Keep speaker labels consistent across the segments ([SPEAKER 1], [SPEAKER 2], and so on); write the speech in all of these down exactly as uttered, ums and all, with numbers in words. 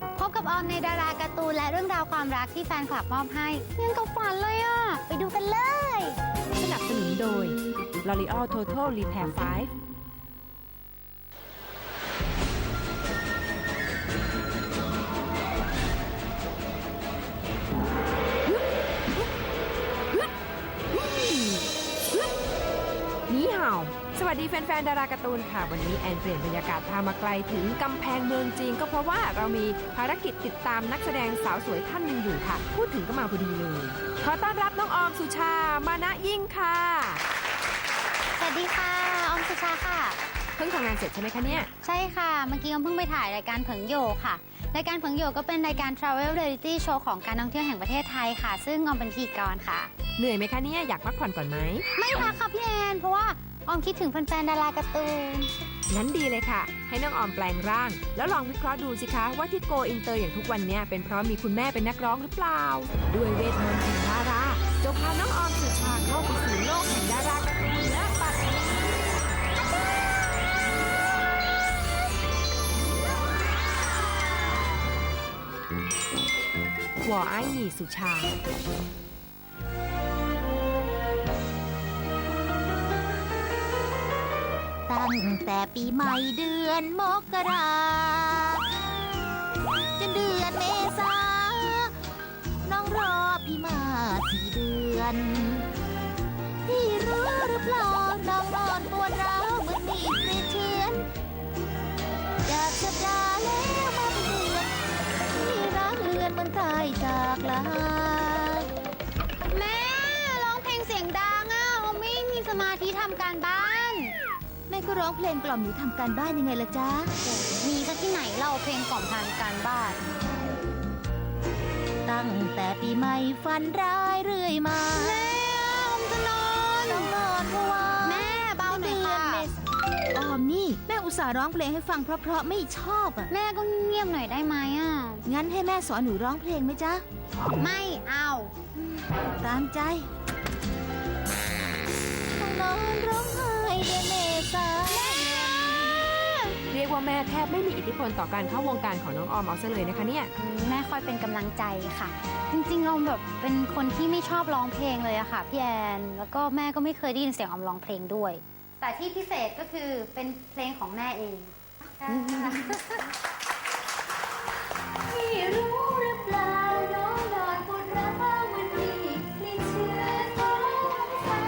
[SPEAKER 1] พบกับออมในดาราการ์ตูนและเรื่องราวความรักที่แฟนคลับมอบให้ยังกับฝันเลยอ่ะ ไปดูกันเลย
[SPEAKER 2] สนับสนุนโดย L'Oreal Total Repair ไฟว์ นี่ห่าวสวัสดีแฟนๆ ดาราการ์ตูนค่ะ วันนี้แอนเปลี่ยนบรรยากาศพามาไกลถึงกำแพงเมืองจีนก็เพราะว่าเรามีภารกิจติดตามนักแสดงสาวสวยท่านหนึ่งอยู่ค่ะ พูดถึงก็มาพอดีเลย ขอต้อนรับน้องออมสุชา มานะยิ่งค่ะ
[SPEAKER 1] สวัสดีค่ะ ออมสุชาค่ะ
[SPEAKER 2] เพิ่งทำงานเสร็จใช่ไหมคะเนี่ย
[SPEAKER 1] ใช่ค่ะ เมื่อกี้ออมเพิ่งไปถ่ายรายการเผิงโยค่ะ รายการเผิงโยก็เป็นรายการ Travel Reality Show ของการท่องเที่ยวแห่งประเทศไทยค่ะ ซึ่งออมเป็นพิธีกรค่ะ
[SPEAKER 2] เหนื่อยไหมคะเนี่ย อยากพักผ่อนก่อนไหม
[SPEAKER 1] ไม่พักค่ะพี่แอนเพราะว่าออมคิดถึงแฟนๆ ดาราการ์ตูน
[SPEAKER 2] งั้นดีเลยค่ะ ให้น้องออมแปลงร่าง แล้วลองวิเคราะห์ดูสิคะว่าที่โกอินเตอร์อย่างทุกวันนี้เป็นเพราะมีคุณแม่เป็นนักร้องหรือเปล่า ด้วยเวทมนต์แห่งดาราจะพาน้องออมสุชาเข้าไปสู่โลกแห่งดาราการ์ตูนและปัดนี้หัวไอ้หนีสุชา
[SPEAKER 3] ตั้งแต่ปีใหม่เดือนมกราจนเดือนเมษาน้องรอพี่มาสี่เดือนพี่รู้หรือเปล่าน้องนอนปวดร้าวเหมือนมีดกรีดเชือนจากสัปดาห์แล้วมาเป็นเดือนพี่รักเลือนเหมือนตายจากลา
[SPEAKER 1] แม่ร้องเพลงเสียงดังอ่ะออมไม่มีสมาธิทำการบ้าน
[SPEAKER 3] แม่ก็ร้องเพลงกล่อมหนูทำการบ้านยังไงล่ะจ๊ะ
[SPEAKER 1] มีสักที่ไหนเล่าเพลงกล่อมทางการบ้าน
[SPEAKER 3] ตั้งแต่ปีใหม่ฝันร้ายเรื่อยมา
[SPEAKER 1] แม่ออมจะนอน
[SPEAKER 3] ต้องนอนเพราะว่า
[SPEAKER 1] แม่เบาหน่อยค่ะ
[SPEAKER 3] ออมนี่แม่อุตส่าห์ร้องเพลงให้ฟังเพราะๆไม่ชอบอ่ะ
[SPEAKER 1] แม่ก็เงียบหน่อยได้ไหมอ่ะ
[SPEAKER 3] งั้นให้แม่สอนหนูร้องเพลงไหมจ๊ะ
[SPEAKER 1] ไม่เอา
[SPEAKER 3] ตามใจต้องนอนร้องไห้เดือนเมษา
[SPEAKER 2] เรียกว่าแม่แทบไม่มีอิทธิพลต่อการเข้าวงการของน้องออมเอาซะเลยนะคะเนี่ย
[SPEAKER 1] แม่คอยเป็นกำลังใจค่ะ จริงๆเราแบบเป็นคนที่ไม่ชอบร้องเพลงเลยอะค่ะพี่แอนแล้วก็แม่ก็ไม่เคยได้ยินเสียงออมร้องเพลงด้วย แต่ที่พิเศษก็คือเป็นเพลงของแม่เองพี่รู้หรือเปล่าน้องนอนปวดร้าวเหมือนมีกลิ่นเชื้อของเศร้า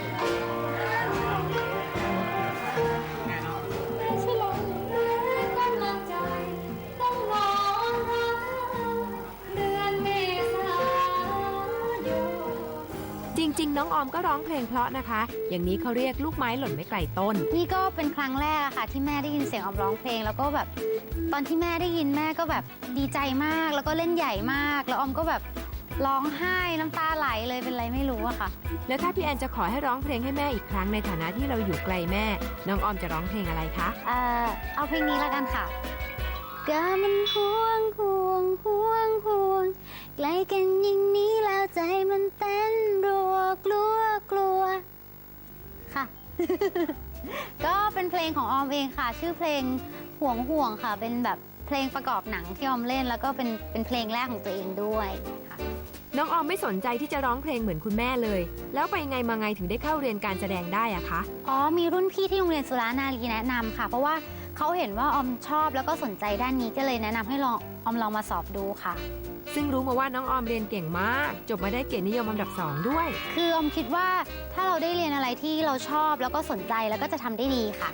[SPEAKER 1] ไม่ใช่ลมหรือกำลังใจต้องนอนร้องเดือนเมษายน
[SPEAKER 2] จริงๆ น้องออมก็ร้องเพลงเพราะนะคะ อย่างนี้เขาเรียกลูกไม้หล่นไม่ไกลต้น
[SPEAKER 1] นี่ก็เป็นครั้งแรกอะค่ะที่แม่ได้ยินเสียงออมร้องเพลง แล้วก็แบบตอนที่แม่ได้ยินแม่ก็แบบดีใจมากแล้วก็เล่นใหญ่มาก แล้วออมก็แบบร้องไห้น้ำตาไหลเลยเป็นไรไม่รู้อะค่ะ
[SPEAKER 2] แล้วถ้าพี่แอนจะขอให้ร้องเพลงให้แม่อีกครั้งในฐานะที่เราอยู่ไกลแม่ น้องออมจะร้องเพลงอะไรคะ
[SPEAKER 1] เอ่อเอาเพลงนี้แล้วกันค่ะก็มันห่วงห่วงห่วงห่วงใกล้กันอย่างนี้แล้วใจมันเต้นรัวกลัวกลัวค่ะ ก็เป็นเพลงของออมเองค่ะ ชื่อเพลงห่วงห่วงค่ะ เป็นแบบเพลงประกอบหนังที่ออมเล่น แล้วก็เป็นเป็นเพลงแรกของตัวเองด้วยค่ะ
[SPEAKER 2] น้องออมไม่สนใจที่จะร้องเพลงเหมือนคุณแม่เลย แล้วไปไงมาไงถึงได้เข้าเรียนการแสดงได้อะคะ
[SPEAKER 1] อ๋อมีรุ่นพี่ที่โรงเรียนสุรานารีแนะนำค่ะ เพราะว่าเขาเห็นว่าออมชอบแล้วก็สนใจด้านนี้ก็เลยแนะนำให้ลองออมลองมาสอบดูค่ะ
[SPEAKER 2] ซึ่งรู้มาว่าน้องออมเรียนเก่งมาก จบมาได้เกียรตินิยมอันดับสองด้วย
[SPEAKER 1] คือออมคิดว่าถ้าเราได้เรียนอะไรที่เราชอบแล้วก็สนใจแล้วก็จะทำได้ดีค่ะ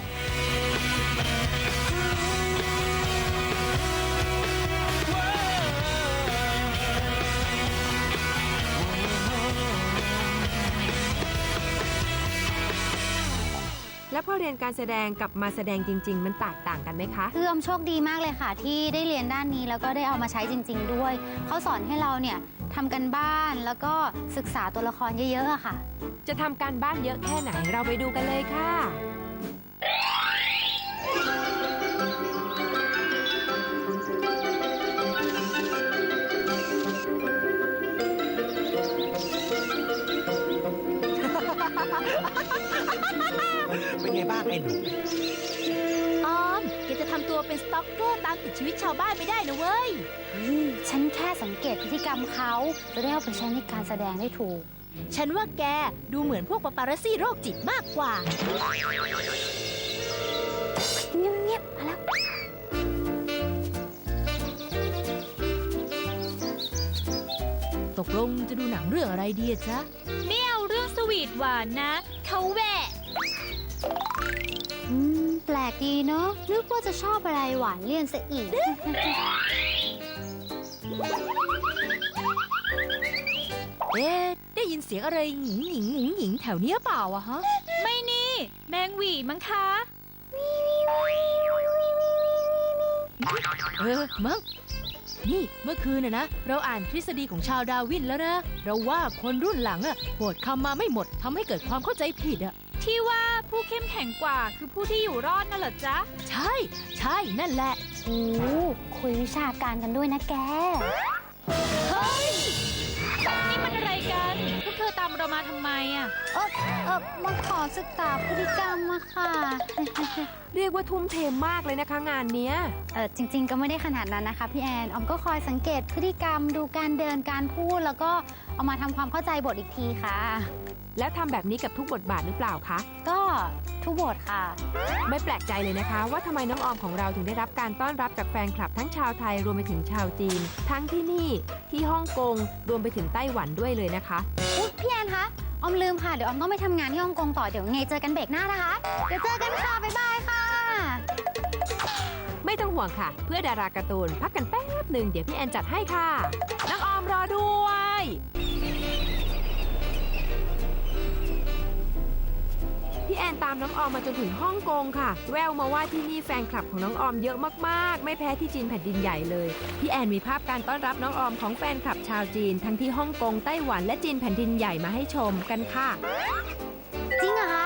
[SPEAKER 2] แล้วพอเรียนการแสดงกับมาแสดงจริง ๆ มันแตกต่างกันไหมคะ
[SPEAKER 1] คือออมโชคดีมากเลยค่ะ ที่ได้เรียนด้านนี้แล้วก็ได้เอามาใช้จริง ๆ ด้วยเขาสอนให้เราเนี่ยทำกันบ้านแล้วก็ศึกษาตัวละครเยอะๆอะค่ะ
[SPEAKER 2] จะทำการบ้านเยอะแค่ไหนเราไปดูกันเลยค่ะ
[SPEAKER 4] เป็นไงบ้างไอ้หนู
[SPEAKER 3] ออมแกจะทำตัวเป็นสต็อกเกอร์ตามติดชีวิตชาวบ้านไม่ได้นะเว้ย
[SPEAKER 1] เฮ้ยฉันแค่สังเกตพฤติกรรมเขาจะได้เอาไปใช้ในการแสดงได้ถูก
[SPEAKER 3] ฉันว่าแกดูเหมือนพวกปาปารัสซี่โรคจิตมากกว่า
[SPEAKER 1] เงียบๆมาแล้ว
[SPEAKER 3] ตกลงจะดูหนังเรื่องอะไรดีจ๊ะ
[SPEAKER 4] ไม่เอาเรื่องสวีทหวานนะเขาแหวะ
[SPEAKER 1] อืม แปลกดีเนาะนึกว่าจะชอบอะไรหวานเลี่ยนซะอีก
[SPEAKER 3] เอ๊ะได้ยินเสียงอะไรหญิงหญิงหญิงหญิงแถวเนี้ยเปล่าอะฮะ
[SPEAKER 4] ไม่นี่ แมงหวีมั้งคะ
[SPEAKER 3] เออมั้งนี่เมื่อคืนน่ะนะเราอ่านทฤษฎีของชาวดาร์วินแล้วนะ เราว่าคนรุ่นหลังอะโหวตคำมาไม่หมดทำให้เกิดความเข้าใจผิดอะ
[SPEAKER 4] ที่ว่าผู้เข้มแข็งกว่าคือผู้ที่อยู่รอดน่ะเหรอจ๊ะ
[SPEAKER 3] ใช่ใช่นั่นแหละ
[SPEAKER 1] โอ้คุยวิชาการกันด้วยนะแก
[SPEAKER 4] เฮ้ย นี่มันอะไรกัน พวกเธอตามเรามาทำไมอ่ะ
[SPEAKER 1] เออเออมาขอศึกษาพฤติกรรมมาค่ะ
[SPEAKER 2] เรียกว่าทุ่มเทมากเลยนะคะงานเนี้ย
[SPEAKER 1] เออจริงๆก็ไม่ได้ขนาดนั้นนะคะพี่แอนออมก็คอยสังเกตพฤติกรรมดูการเดินการพูด แล้วก็เอามาทำความเข้าใจบทอีกทีค่ะ
[SPEAKER 2] แล้วทำแบบนี้กับทุกบทบาทหรือเปล่าคะ
[SPEAKER 1] ก็ทุกบทค่ะ
[SPEAKER 2] ไม่แปลกใจเลยนะคะ ว่าทำไมน้องออมของเราถึงได้รับการต้อนรับจากแฟนคลับทั้งชาวไทยรวมไปถึงชาวจีน ทั้งที่นี่ที่ฮ่องกงรวมไปถึงไต้หวันด้วยเลยนะคะ
[SPEAKER 1] อุ๊ยพี่แอนคะออมลืมค่ะเดี๋ยวออมต้องไปทำงานที่ฮ่องกงต่อเดี๋ยวไงเจอกันเบรกหน้านะคะ เดี๋ยวเจอกันค่ะบ๊ายบายค่ะ
[SPEAKER 2] ไม่ต้องห่วงค่ะ เพื่อดาราการ์ตูนพักกันแป๊บหนึ่งเดี๋ยวพี่แอนจัดให้ค่ะน้องออมรอด้วย พี่แอนตามน้องออมมาจนถึงฮ่องกงค่ะ แววมาว่าที่นี่แฟนคลับของน้องออมเยอะมากๆ ไม่แพ้ที่จีนแผ่นดินใหญ่เลย พี่แอนมีภาพการต้อนรับน้องออมของแฟนคลับชาวจีน ทั้งที่ฮ่องกงไต้หวันและจีนแผ่นดินใหญ่มาให้ชมกันค่ะ
[SPEAKER 1] จริงเหรอคะ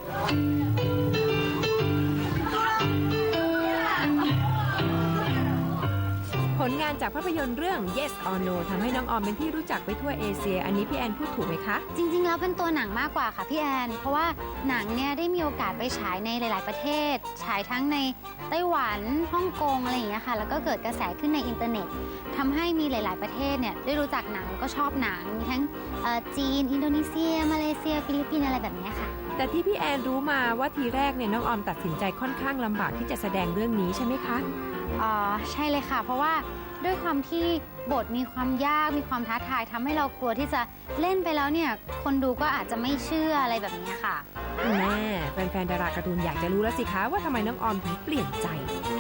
[SPEAKER 2] ผลงานจากภาพยนตร์เรื่อง Yes or No ทำให้น้องออมเป็นที่รู้จักไปทั่วเอเชีย อันนี้พี่แอนพูดถูกไหมคะ
[SPEAKER 1] จริงๆแล้วเป็นตัวหนังมากกว่าค่ะพี่แอนเพราะว่าหนังเนี่ยได้มีโอกาสไปฉายในหลาย ๆประเทศ ฉายทั้งในไต้หวันฮ่องกงอะไรอย่างเงี้ยค่ะแล้วก็เกิดกระแสขึ้นในอินเทอร์เน็ตทำให้มีหลาย ๆประเทศเนี่ยได้รู้จักหนังแล้วก็ชอบหนังมีทั้งเอ่อจีนอินโดนีเซียมาเลเซียฟิลิปปินส์อะไรแบบเนี้ยค่ะ
[SPEAKER 2] แต่ที่พี่แอนรู้มาว่าทีแรกเนี่ยน้องออมตัดสินใจค่อนข้างลำบากที่จะแสดงเรื่องนี้ใช่ไหมคะ
[SPEAKER 1] อ๋อใช่เลยค่ะ เพราะว่าด้วยความที่บทมีความยากมีความท้าทายทำให้เรากลัวที่จะเล่นไปแล้วเนี่ยคนดูก็อาจจะไม่เชื่ออะไรแบบนี้ค่ะ
[SPEAKER 2] แม่แฟนๆดาราการ์ตูนอยากจะรู้แล้วสิคะว่าทำไมน้องออมถึงเปลี่ยนใจ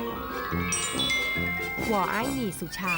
[SPEAKER 2] หวอไอ้หนี่สุชา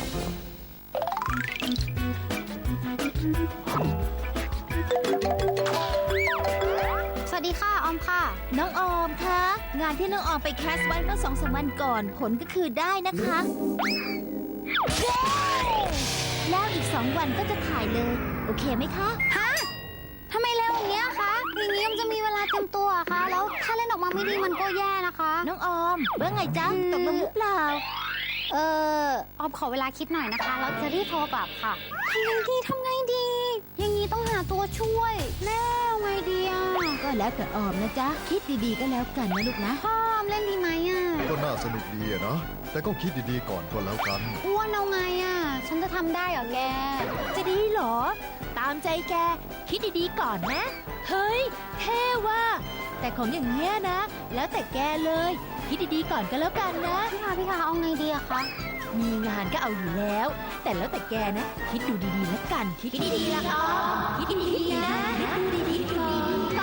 [SPEAKER 1] สวัสดีค่ะออมค่ะ
[SPEAKER 3] น้องออมคะงานที่น้องออมไปแคสไว้เมื่อสองสามวันก่อนผลก็คือได้นะคะเย้แล้วอีกสองวันก็จะถ่ายเลย โอเคไหมคะ
[SPEAKER 1] ฮะทำไมเร็วอย่างเงี้ยคะอย่างนี้มันจะมีเวลาเตรียมตัวอะคะแล้วถ้าเล่นออกมาไม่ดีมันก็แย่นะคะ
[SPEAKER 3] น้องออมว่าไงจ๊ะตกลงหรือเปล่า
[SPEAKER 1] เออออมขอเวลาคิดหน่อยนะคะแล้วจะรีบโทรกลับค่ะทำไงดีทำไงดี อย่างนี้ต้องหาตัวช่วยแม่เอาไงดีอะ
[SPEAKER 3] ก็แล้วแต่ออมนะจ๊ะคิดดีๆก็แล้วกันนะลูกนะ
[SPEAKER 1] พ่อออมเล่นดีไหมอะ
[SPEAKER 5] ก็น่าสนุกดีอะนะ แต่ก็คิดดีๆก่อนก็แล้วกัน
[SPEAKER 1] อ้วนเอาไงอะฉันจะทำได้เหรอแก
[SPEAKER 3] จะดีเหรอ ตามใจแกคิดดีๆก่อนนะ เฮ้ยเท่ว่ะแต่ของอย่างเงี้ยนะ แล้วแต่แกเลย คิดดีๆก่อนก็แล้วกันนะ
[SPEAKER 1] พี่คะพี่คะเอาไงดีอะคะ
[SPEAKER 3] มีงานก็เอาอยู่แล้ว แต่แล้วแต่แกนะ คิดดูดีๆแล้วกัน คิดดีๆละออมคิดดีๆนะคิดดูดีๆก่อน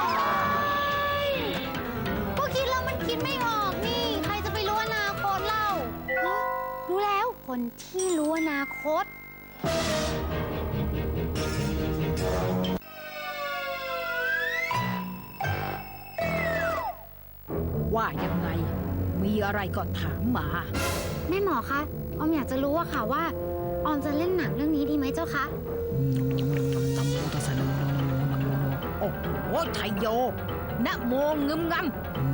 [SPEAKER 1] ก็คิดแล้วมันคิดไม่ออกนี่ ใครจะไปรู้อนาคตเล่าฮะรู้แล้วคนที่รู้อนาคต
[SPEAKER 6] ว่ายังไง มีอะไรก็ถามมา
[SPEAKER 1] แม่หมอคะออมอยากจะรู้อะค่ะว่าออมจะเล่นหนังเรื่องนี้ดีไหมเจ้าคะ
[SPEAKER 6] โอ้โหไทยโยนะโมงึมงำ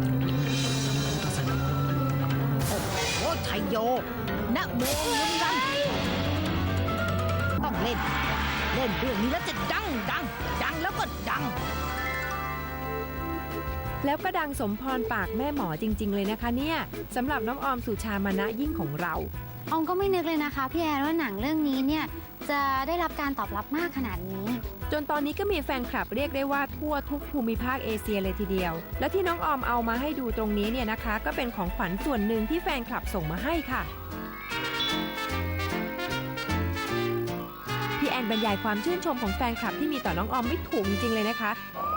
[SPEAKER 6] โอ้โหไทยโยนะโมงึมงำต้องเล่น เล่นเรื่องนี้แล้วจะดังดัง ดังแล้วก็ดัง
[SPEAKER 2] แล้วก็ดังสมพรปากแม่หมอจริงๆเลยนะคะเนี่ยสำหรับน้องออมสุชามนะยิ่งของเรา
[SPEAKER 1] ออมก็ไม่นึกเลยนะคะพี่แอนว่าหนังเรื่องนี้เนี่ยจะได้รับการตอบรับมากขนาดนี้
[SPEAKER 2] จนตอนนี้ก็มีแฟนคลับเรียกได้ว่าทั่วทุกภูมิภาคเอเชียเลยทีเดียว และที่น้องออมเอามาให้ดูตรงนี้เนี่ยนะคะ ก็เป็นของขวัญส่วนหนึ่งที่แฟนคลับส่งมาให้ค่ะพี่แอนบรรยายความชื่นชมของแฟนคลับที่มีต่อน้องออมไม่ถูกจริงๆเลยนะคะ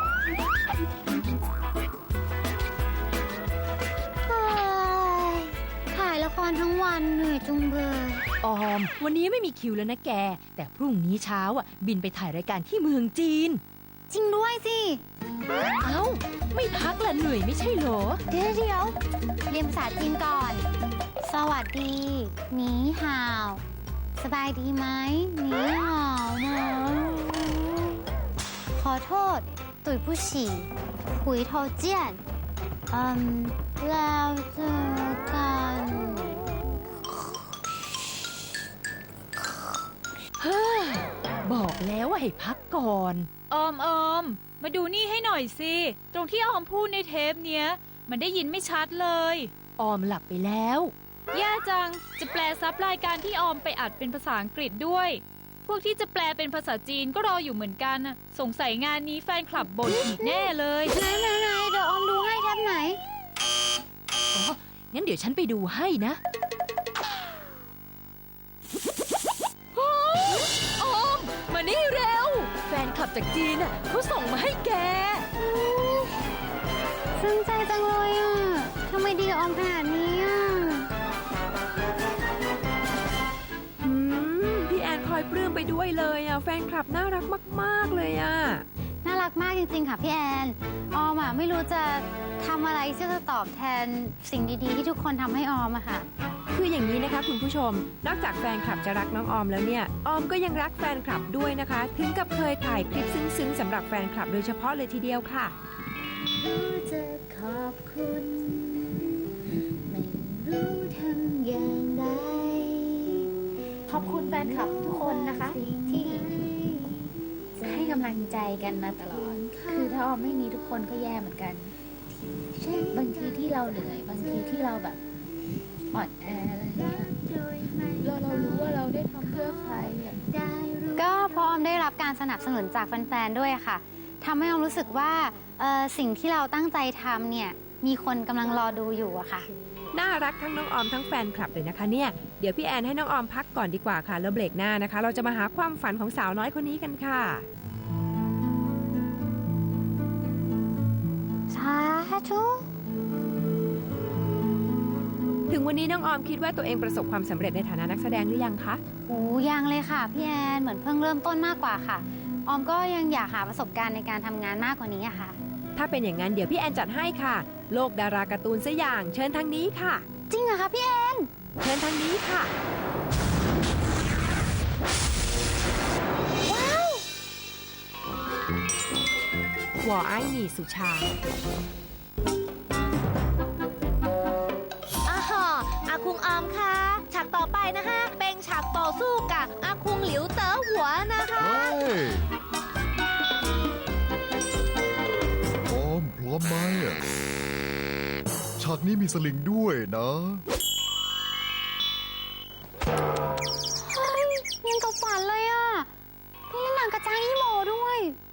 [SPEAKER 1] ถ่ายละครทั้งวันเหนื่อยจุงเบย
[SPEAKER 4] ออม วันนี้ไม่มีคิวแล้วนะแก แต่พรุ่งนี้เช้าอ่ะบินไปถ่ายรายการที่เมืองจีน
[SPEAKER 1] จริงด้วยสิ
[SPEAKER 4] เอ้า ไม่พักละเหนื่อยไม่ใช่เหรอ
[SPEAKER 1] เดี๋ยวเดี๋ยวเรียนภาษาจีนก่อน สวัสดีหนีห่าว สบายดีไหมหนีห่าวนะขอโทษ ตุ๋ยผู้ฉี่หุยโทเจียนอืมแล้วเจอกัน
[SPEAKER 4] เฮ้ย บอกแล้วว่าให้พักก่อน
[SPEAKER 7] ออมออม มาดูนี่ให้หน่อยสิ ตรงที่ออมพูดในเทปเนี้ย มันได้ยินไม่ชัดเลย
[SPEAKER 4] ออมหลับไปแล้ว
[SPEAKER 7] แย่จัง จะแปลซับรายการที่ออมไปอัดเป็นภาษาอังกฤษด้วย พวกที่จะแปลเป็นภาษาจีนก็รออยู่เหมือนกันน่ะสงสัยงานนี้แฟนคลับบ่นอีกแน่เลย
[SPEAKER 1] ไหนไหนไหนเดี๋ยวออมดูให้แทบไหน
[SPEAKER 4] อ๋อ งั้นเดี๋ยวฉันไปดูให้นะ ออม มานี่เร็ว แฟนคลับจากจีนอ่ะเขาส่งมาให้แก
[SPEAKER 1] ซึ้งใจจังเลยอ่ะ ทำไมดีกับออมขนาดนี้อ่ะ
[SPEAKER 2] อืมพี่แอนคอยปลื้มไปด้วยเลยอ่ะแฟนคลับน่ารักมากๆเลยอ่ะ
[SPEAKER 1] น่ารักมากจริงๆ ค่ะพี่แอน ออมอ่ะไม่รู้จะทำอะไรที่จะตอบแทนสิ่งดีๆ ที่ทุกคนทำให้ออมอะค่ะ
[SPEAKER 2] คืออย่างนี้นะคะคุณผู้ชม นอกจากแฟนคลับจะรักน้องออมแล้วเนี่ย ออมก็ยังรักแฟนคลับด้วยนะคะ ถึงกับเคยถ่ายคลิปซึ้งๆสำหรับแฟนคลับโดยเฉพาะเลยทีเดียวค่ะ
[SPEAKER 1] จะขอบคุณ ไม่รู้ทำอย่างไร ขอบคุณแฟนคลับทุกคนนะคะ ที่ให้กำลังใจกันมาตลอด คือถ้าออมไม่มีทุกคนก็แย่เหมือนกัน บางทีที่เราเหนื่อยบางทีที่เราแบบอ่อนแออะไรเงี้ยเราเรารู้ว่าเราได้ทำเพื่อใครอ่ะก็เพราะออมได้รับการสนับสนุนจากแฟนๆด้วยค่ะทำให้ออมรู้สึกว่าเอ่อสิ่งที่เราตั้งใจทำเนี่ยมีคนกำลังรอดูอยู่อะค่ะ
[SPEAKER 2] น่ารักทั้งน้องออมทั้งแฟนคลับเลยนะคะเนี่ยเดี๋ยวพี่แอนให้น้องออมพักก่อนดีกว่าค่ะแล้วเบรกหน้านะคะ เราจะมาหาความฝันของสาวน้อยคนนี้กันค่ะ
[SPEAKER 1] สาธุ
[SPEAKER 2] ถึงวันนี้น้องออมคิดว่าตัวเองประสบความสำเร็จในฐานะนักแสดงหรือยังคะ
[SPEAKER 1] โอ้ยังเลยค่ะพี่แอนเหมือนเพิ่งเริ่มต้นมากกว่าค่ะ ออมก็ยังอยากหาประสบการณ์ในการทำงานมากกว่านี้อะค่ะ
[SPEAKER 2] ถ้าเป็นอย่างนั้นเดี๋ยวพี่แอนจัดให้ค่ะ โลกดาราการ์ตูนซะอย่างเชิญทางนี้ค่ะ
[SPEAKER 1] จริงเหรอคะพี่แอน
[SPEAKER 2] เชิญทางนี้ค่ะ
[SPEAKER 1] ว้าว
[SPEAKER 2] หัวไอ้หนี่สุชา
[SPEAKER 3] อาฮะอาคุงออมค่ะ ฉากต่อไปนะคะ เป็นฉากต่อสู้กับอาคุงหลิวเต๋อหัวนะคะ
[SPEAKER 5] เฮ้ยออมพร้อมไหมอะฉากนี้มีสลิงด้วยนะ
[SPEAKER 1] เฮ้ยยังกับฝันเลยอ่ะนี่เล่นหนังกระจายอีโมด้วย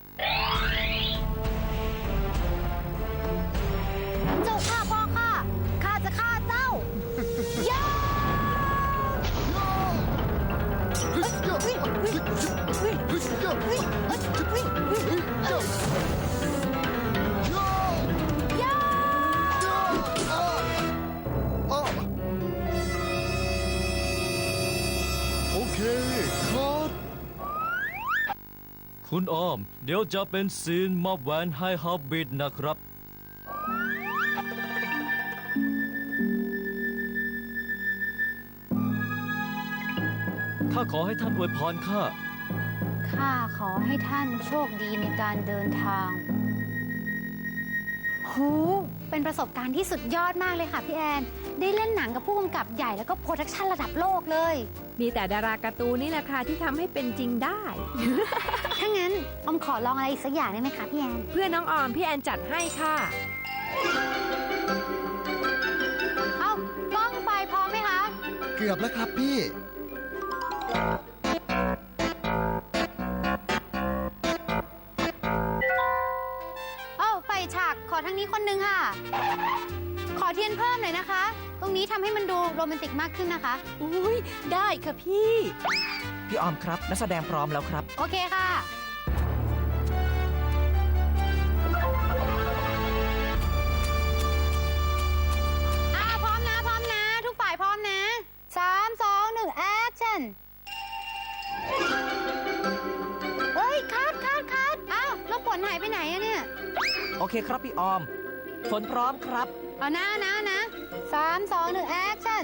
[SPEAKER 1] เจ้าข้าพ่อข้าข้าจะฆ่าเจ้า ย่า
[SPEAKER 5] โอเคคัด
[SPEAKER 8] คุณออม เดี๋ยวจะเป็นซีนมอบแหวนให้ฮับบิทนะครับ ข้าขอให้ท่านอวยพรข้า
[SPEAKER 1] ข้าขอให้ท่านโชคดีในการเดินทางโหเป็นประสบการณ์ที่สุดยอดมากเลยค่ะพี่แอน ได้เล่นหนังกับผู้กำกับใหญ่แล้วก็โปรดักชันระดับโลกเลย
[SPEAKER 2] มีแต่ดาราการ์ตูนนี่แหละค่ะที่ทำให้เป็นจริงได้
[SPEAKER 1] ถ้างั้นออมขอลองอะไรอีกสักอย่างได้ไหมคะพี่แอน
[SPEAKER 2] เพื่อน้องออมพี่แอนจัดให้ค่ะ
[SPEAKER 1] เอ้ากล้องไฟพร้อมไหมคะ
[SPEAKER 5] เกือบแล้วครับพี่
[SPEAKER 1] เอ้าไฟฉากขอทางนี้คนนึงค่ะ ขอเทียนเพิ่มหน่อยนะคะ ตรงนี้ทำให้มันดูโรแมนติกมากขึ้นนะคะ
[SPEAKER 6] อุ้ยได้ค่ะพี่
[SPEAKER 9] พี่ออมครับ นักแสดงพร้อมแล้วครับ
[SPEAKER 1] โอเคค่ะ อ่าพร้อมนะ พร้อมนะ ทุกฝ่ายพร้อมนะสามสองหนึ่งแอคชั่น เฮ้ย คัดคัดคัดอ้าวแล้วฝนหายไปไหนอะเนี่ย
[SPEAKER 9] โอเคครับพี่ออม ฝนพร้อมครับ
[SPEAKER 1] เอานะนะนะสามสองหนึ่งแอคชั่น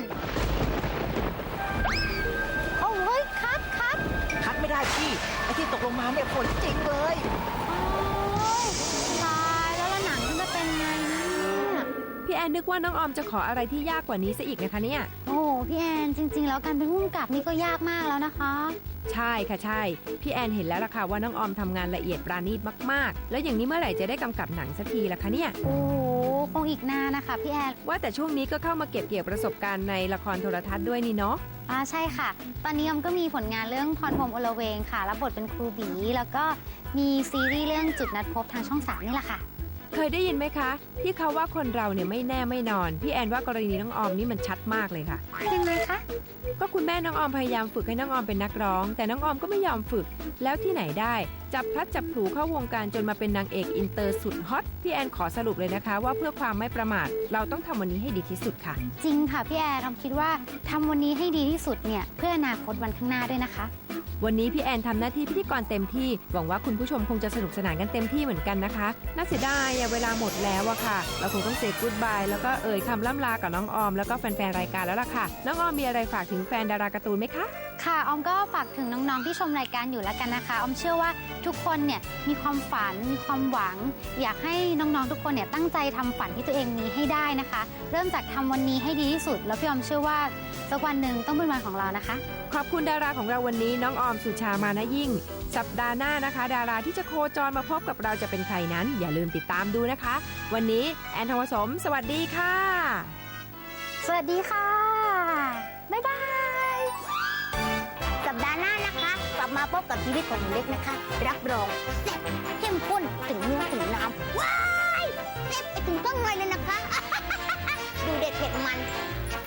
[SPEAKER 1] โอ้เฮ้ย คัดคัด
[SPEAKER 9] คัดไม่ได้พี่ ไอ้ที่ตกลงมาเนี่ยฝนจริงเลย
[SPEAKER 1] โอ้ยตายแล้วแล้วหนังมันจะเป็นไงเนี่ย
[SPEAKER 2] พี่แอนนึกว่าน้องออมจะขออะไรที่ยากกว่านี้ซะอีกนะคะเนี่ย
[SPEAKER 1] โอ้โหพี่แอนจริง ๆ แล้วการเป็นผู้กำกับนี่ก็ยากมากแล้วนะคะ
[SPEAKER 2] ใช่ค่ะใช่ พี่แอนเห็นแล้วล่ะค่ะว่าน้องออมทำงานละเอียดปราณีตมากๆ แล้วอย่างนี้เมื่อไหร่จะได้กำกับหนังสักทีล่ะคะเนี่ย
[SPEAKER 1] โอ้โหคงอีกนานนะคะพี่แอน
[SPEAKER 2] ว่าแต่ช่วงนี้ก็เข้ามาเก็บเกี่ยวประสบการณ์ในละครโทรทัศน์ด้วยนี่เนาะ
[SPEAKER 1] อ่าใช่ค่ะ ตอนนี้ออมก็มีผลงานเรื่องพรพรหมอลเวงค่ะรับบทเป็นครูบีแล้วก็มีซีรีส์เรื่องจุดนัดพบทางช่องสามนี่แหละค่ะ
[SPEAKER 2] เคยได้ยินไหมคะ ที่เขาว่าคนเราเนี่ยไม่แน่ไม่นอน พี่แอนว่ากรณีน้องออมนี่มันชัดมากเลยค่ะ
[SPEAKER 1] ยังไงคะ
[SPEAKER 2] ก็คุณแม่น้องออมพยายามฝึกให้น้องออมเป็นนักร้อง แต่น้องออมก็ไม่ยอมฝึก แล้วที่ไหนได้ จับพลัดจับผลูเข้าวงการจนมาเป็นนางเอกอินเตอร์สุดฮอต พี่แอนขอสรุปเลยนะคะ ว่าเพื่อความไม่ประมาท เราต้องทำวันนี้ให้ดีที่สุดค่ะ
[SPEAKER 1] จริงค่ะพี่แอนออมคิดว่าทำวันนี้ให้ดีที่สุดเนี่ยเพื่ออนาคตวันข้างหน้าด้วยนะคะ
[SPEAKER 2] วันนี้พี่แอนทำหน้าที่พิธีกรเต็มที่ หวังว่าคุณผู้ชมคงจะสนุกสนานกันเต็มที่เหมือนกันนะคะ น่าเสียดายอะเวลาหมดแล้วอะค่ะ เราคงต้องเซกู๊ดบายแล้วก็เอ่ยคำล่ำลากับน้องออมแล้วก็แฟนๆรายการแล้วล่ะค่ะ น้องออมมีอะไรฝากถึงแฟนดาราการ์ตูนไหมคะ
[SPEAKER 1] ค่ะออมก็ฝากถึงน้องๆที่ชมรายการอยู่แล้วกันนะคะออมเชื่อว่าทุกคนเนี่ยมีความฝันมีความหวัง อยากให้น้องๆทุกคนเนี่ยตั้งใจทำฝันที่ตัวเองมีให้ได้นะคะ เริ่มจากทำวันนี้ให้ดีที่สุด แล้วพี่ออมเชื่อว่าสักวันหนึ่งต้องเป็นวันของเรานะคะ
[SPEAKER 2] ขอบคุณดาราของเราวันนี้น้องออมสุชามานะยิ่ง สัปดาห์หน้านะคะ ดาราที่จะโคจรมาพบกับเราจะเป็นใครนั้น อย่าลืมติดตามดูนะคะ วันนี้แอนทองผสม สวัสดีค่ะ
[SPEAKER 1] สวัสดีค่ะ บ๊ายบาย สัปดาห์หน้านะคะ กลับมาพบกับชีวิตของหนูเล็กนะคะ รับรองแซ่บเข้มข้นถึงเนื้อถึงน้ำว้ายแซ่บไปถึงเครื่องในเลยนะคะ ดูเด็ดเผ็ดมัน